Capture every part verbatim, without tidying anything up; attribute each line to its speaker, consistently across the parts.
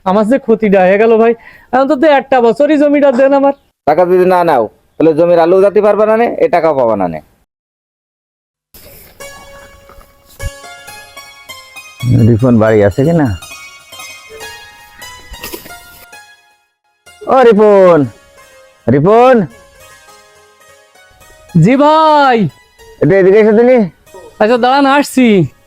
Speaker 1: আমার যে ক্ষতিটা হয়ে গেল ভাই, অন্তত একটা বছরই জমিটা দেন আমার।
Speaker 2: টাকা যদি না নাও তাহলে জমির আলু যাতে পারবা না নে, এ টাকাও পাবা না নে। রিপন বাড়ি আছে কিনা? ও রিপন, রিপন
Speaker 1: জি ভাই।
Speaker 2: এটা এদিকে এসে দিনি।
Speaker 1: আচ্ছা দাঁড়ান, আসছি।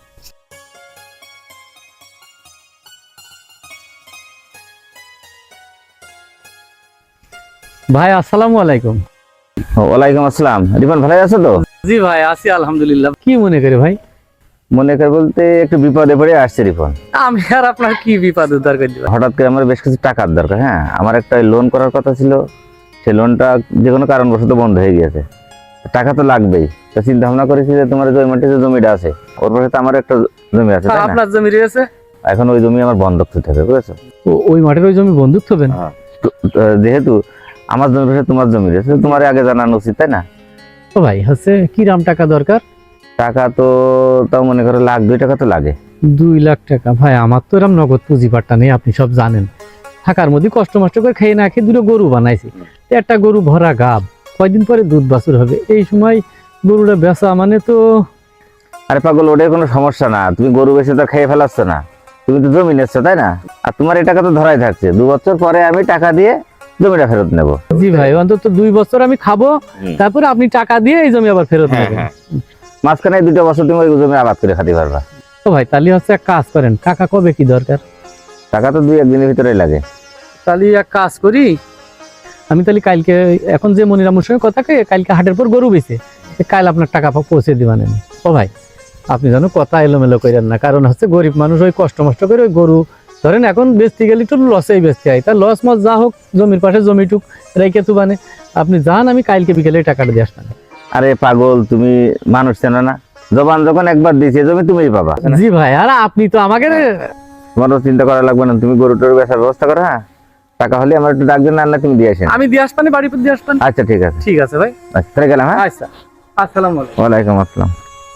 Speaker 1: ভাই আসসালামু আলাইকুম।
Speaker 2: ওয়ালাইকুম আসসালাম। রিপন ভালো আছো তো?
Speaker 1: জি ভাই আছি আলহামদুলিল্লাহ। কি মনে করে ভাই?
Speaker 2: মনে কর বলতে একটু বিপদে পড়ে আসছে রিপন।
Speaker 1: আমি আর আপনার কি বিপদ উদ্ধার করে দিবেন?
Speaker 2: হঠাৎ করে আমার বেশ কিছু টাকার দরকার। হ্যাঁ, আমার একটা লোন করার কথা ছিল, সেই লোনটা যে কোনো কারণবশত বন্ধ হয়ে গিয়েছে। টাকা তো লাগবেই, তো চিন্তা ভাবনা করেছি যে তোমার যে মাঠে যে জমিটা আছে ওর পাশে তো আমার একটা জমি আছে, তাই না?
Speaker 1: আপনার জমি রয়েছে?
Speaker 2: এখন ওই জমি আমার বন্ধক থইতে হবে, বুঝেছো?
Speaker 1: ও- ওই মাঠের ওই জমি বন্ধুক থবেন?
Speaker 2: তো, আহ, যেহেতু আমার জমির পাশে তোমার জমি রয়েছে, তোমার আগে জানানো উচিত, তাই না?
Speaker 1: ও ভাই হচ্ছে কি রাম টাকা দরকার?
Speaker 2: টাকা তো তাও মনে করো লাখ দুই টাকা তো লাগে।
Speaker 1: দুই লাখ টাকা? ভাই আমার তো এরকম নগদ পুঁজি পাট্টা নেই, আপনি সব জানেন। থাকার মধ্যে কষ্ট মষ্ট করে খেয়ে না খেয়ে দুটো গরু বানাইছি। তো একটা গরু ভরা গাব, কয়দিন পরে দুধ বাছুর হবে, এই সময় গরুটা বেচা মানে তো।
Speaker 2: আরে পাগল, ওটাই কোনো সমস্যা না। তুমি গরু বেচে তো খেয়ে ফেলাচ্ছ না, তুমি তো জমি নিচ্ছ, তাই না? আর তোমার এই টাকা তো ধরাই থাকছে, দু বছর পরে আমি টাকা দিয়ে জমিটা ফেরত নেব।
Speaker 1: জি ভাই, অন্তত দুই বছর আমি খাবো, তারপরে আপনি টাকা দিয়ে এই জমি আবার ফেরত নেবেন।
Speaker 2: মাঝখানে দুটো বছর তুমি ওই জমি আবাদ করে খাতে পারবা।
Speaker 1: তো ভাই তাহলে হচ্ছে এক কাজ করেন, টাকা কবে কি দরকার?
Speaker 2: টাকা তো দুই একদিনের ভিতরেই লাগে।
Speaker 1: তাহলে এক কাজ করি, আমি তাহলে কালকে, এখন যে মনিরামুর সঙ্গে কথা কয়ে কালকে হাটের পর গরু বেচে কাল আপনার টাকা পৌঁছে দিবেন। ও ভাই আপনি যেন কথা এলোমেলো করেন না, কারণ হচ্ছে গরিব মানুষ ওই কষ্ট মষ্ট করে ওই গরু ধরেন এখন বেচতে গেলে একটু লসেই বেচতে হয়, তা লস মস যা হোক জমির পাশে জমিটুক রেখে তো মানে আপনি যান, আমি কালকে বিকেলে টাকাটা দিয়ে আসবেন।
Speaker 2: আরে পাগল, তুমি মানুষ চেনো না? জবান যখন একবার দিয়েছে জমি তুমিই পাবা।
Speaker 1: জি ভাই, আর আপনি তো আমাকে
Speaker 2: তোমারও চিন্তা করা লাগবে না, তুমি গরু টরু বেচার ব্যবস্থা করো। হ্যাঁ, টাকা হলে আমার একটু ডাকবেন, না না তুমি দিয়ে আসেন।
Speaker 1: আমি দিয়ে আসবেন, বাড়ি দিয়ে আসবেন।
Speaker 2: আচ্ছা ঠিক আছে।
Speaker 1: ঠিক আছে ভাই,
Speaker 2: আচ্ছা তাহলে গেলাম। হ্যাঁ,
Speaker 1: আচ্ছা আসসালামু আলাইকুম।
Speaker 2: ওয়ালাইকুম আসসালাম।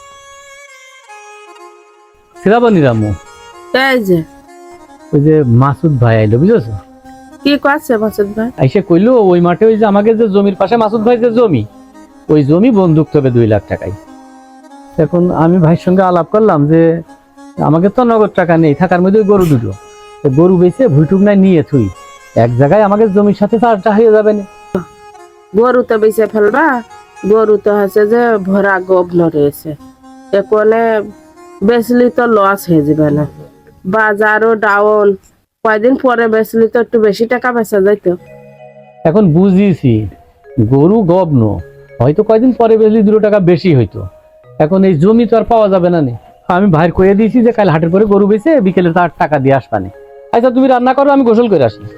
Speaker 1: সিরাবনি রামু,
Speaker 3: এই যে
Speaker 1: ওই যে মাসুদ ভাই আইলো বুঝেছো?
Speaker 3: কি করছে মাসুদ ভাই?
Speaker 1: আইসে কইলো ওই মাঠে ওই যে আমাকে যে জমির পাশে মাসুদ ভাই যে জমি, ওই জমি বন্দুক হবে দুই লাখ টাকায়। এখন আমি ভাইয়ের সঙ্গে আলাপ করলাম যে আমাকে তো নগদ টাকা নেই, থাকার মধ্যে ওই গরু দুটো, তো গরু বেচে ভুইটুক নাই নিয়ে থুই এক জায়গায় আমাকে জমির সাথে চারটা হয়ে যাবে না।
Speaker 3: গরু তো বেঁচে ফেলবা, গরু তো হচ্ছে যে ভরা গবন রয়েছে, এখানে বেচলি তো লস হয়ে যাবে না, বাজারও ডাউন, কয়দিন পরে বেচলি তো একটু বেশি টাকা বেচা যাইতো।
Speaker 1: এখন বুঝিয়েছি গরু গবন, হয়তো কয়দিন পরে বেচলি দুটো টাকা বেশি হইতো, এখন এই জমি তো আর পাওয়া যাবে না। আমি ভাইয়ের কয়ে দিয়েছি যে কাল হাটের পরে গরু বেচে বিকেলে তার টাকা দিয়ে আসবানে। আচ্ছা তুমি রান্না করো, আমি গোসল করে আসি।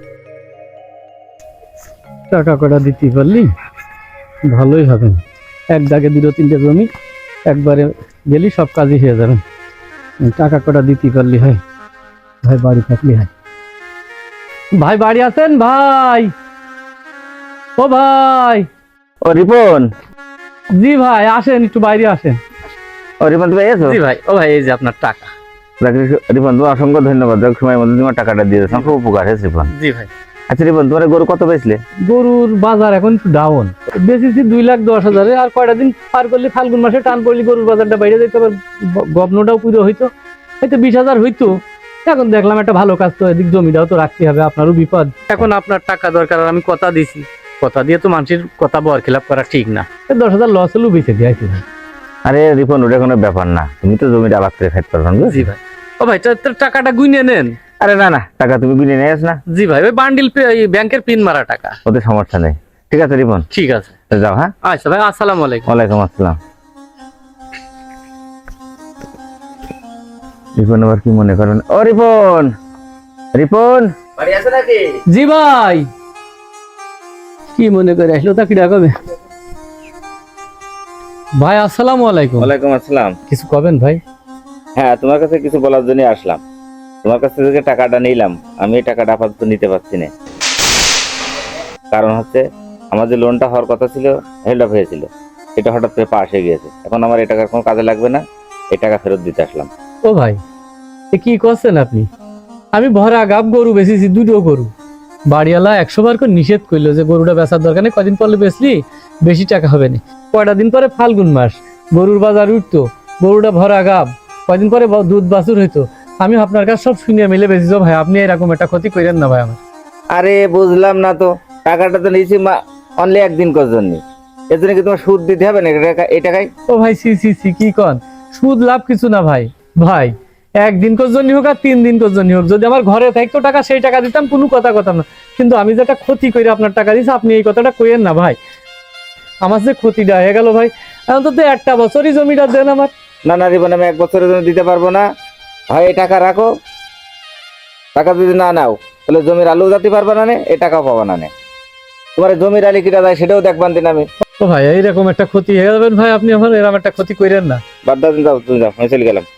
Speaker 1: টাকা কটা দিতে পারলি ভালোই হবে, এক দাগে দুটো তিনটে জমি একবারে গেলি সব কাজই হয়ে যাবে। টাকা কটা দিতে পারলি হয়, ভাই বাড়ি থাকলি হয়। ভাই বাড়ি আছেন ভাই? ও ভাই।
Speaker 2: ও রিপন।
Speaker 1: জি ভাই আসেন, একটু বাইরে আসেন।
Speaker 2: ও রিপন, তুমি এসো।
Speaker 1: জি ভাই। ও ভাই এই যে আপনার টাকা।
Speaker 2: রিপন তোমার অসংখ্য ধন্যবাদ, সময়ের মধ্যে তোমার টাকাটা দিয়ে দিয়েছো, খুব উপকার হয়েছে রিপন।
Speaker 1: জি ভাই।
Speaker 2: আচ্ছা রিপন, তোমার গরু কত বেচলে?
Speaker 1: গরুর বাজার এখন একটু ডাউন, বেশিছি দুই লাখ দশ হাজারে, আর কয়টা দিন পার করলে ফাল্গুন মাসে টান পড়লে গরুর বাজারটা বাইরে যেত, আবার গবনটাও পুরো হইতো, হয়তো বিশ হাজার হইতো। এখন দেখলাম একটা ভালো কাজ, তো এদিক জমিটাও তো রাখতে হবে, আপনারও বিপদ। এখন আপনার টাকা দরকার, আর আমি কথা দিছি, কথা দিয়ে তো মানুষের কথা বর খেলাপ করা ঠিক না। দশ হাজার লস হলেও বেঁচে দিয়েছি।
Speaker 2: আরে রিপন, ওটা কোনো ব্যাপার না, তুমি তো জমিটা আবাদ করে খাইতে পারবে না।
Speaker 1: জি ভাই। ও ভাই টাকাটা গুনে নেন।
Speaker 2: আরে না না, টাকা তুমি গুনে নিয়ে আস না।
Speaker 1: জি ভাই, ওই বান্ডিল ব্যাংকের পিন মারা টাকা।
Speaker 2: ওতে সমস্যা নেই। ঠিক আছে রিপন,
Speaker 1: ঠিক আছে
Speaker 2: যাও। হ্যাঁ
Speaker 1: আচ্ছা ভাই, আসসালামু আলাইকুম।
Speaker 2: ওয়ালাইকুম আসসালাম। রিপন আবার কি মনে করেন? ও রিপন, রিপন বাড়ি আছে নাকি?
Speaker 1: জি ভাই। কি মনে করে আসলো তা কি ডাকবে? ভাই আসসালামু আলাইকুম।
Speaker 2: ওয়ালাইকুম আসসালাম।
Speaker 1: কিছু কবেন ভাই?
Speaker 2: হ্যাঁ, তোমার কাছে কিছু বলার জন্য আসলাম। তোমার কাছ থেকে টাকাটা নিলাম, আমি এই টাকাটা আপাতত নিতে পারছি না। কারণ হচ্ছে আমার যে লোনটা হওয়ার কথা ছিল, হেল্ড আপ হয়েছিল, এটা হঠাৎ করে পাশ হয়ে গিয়েছে। এখন আমার এই টাকার কোনো কাজে লাগবে না, এই টাকা ফেরত দিতে আসলাম।
Speaker 1: ও ভাই এ কি করছেন আপনি? আমি ভরা গাব গরু বেচেছি, দুটো গরু। বাড়িওয়ালা একশো বার করে নিষেধ করলো যে গরুটা বেচার দরকার নেই, কদিন পরে বেচলি বেশি টাকা হবে না। কয়টা দিন পরে ফাল্গুন মাস, গরুর বাজার উঠতো, গরুটা ভরা গাব, কয়দিন পরে ব- দুধ বাছুর হইতো। আমি আপনার কাছে সব শুনিয়ে মিলে বেশি ভাই, আপনি এরকম একটা ক্ষতি করেন না ভাই আমার।
Speaker 2: আরে বুঝলাম না তো, টাকাটা তো নিয়েছি অনলি একদিন কর জন্য, এর জন্য কি তোমার সুদ দিতে হবে না এই টাকা- এই টাকায়?
Speaker 1: ও ভাই সি সি সি কি কন, সুদ লাভ কিছু না ভাই। ভাই একদিন কর জন্য হোক আর তিন দিন কর জন্য হোক, যদি আমার ঘরে থাকতো টাকা সেই টাকা দিতাম, কোনো কথা কথা না। কিন্তু আমি যেটা ক্ষতি করে আপনার টাকা দিচ্ছি, আপনি এই কথাটা কইেন না ভাই। আমার যে ক্ষতিটা হয়ে গেল ভাই, অন্তত একটা বছরই জমিটা দেন আমার।
Speaker 2: না না রিপন, আমি এক বছরের জন্য দিতে পারবো না। হয় এই টাকা রাখো, টাকা যদি না নাও তাহলে জমির আলু যাতে পারবে না নে, এই টাকাও পাবা না নে। তোমার এই জমির আলি কিটা যায় সেটাও দেখবান দিন আমি।
Speaker 1: ও ভাই এইরকম একটা ক্ষতি হয়ে যাবেন ভাই, আপনি আমার এরকম একটা ক্ষতি করেন না।
Speaker 2: বাদ দাও, যাও তুমি যাও, আমি চলে গেলাম।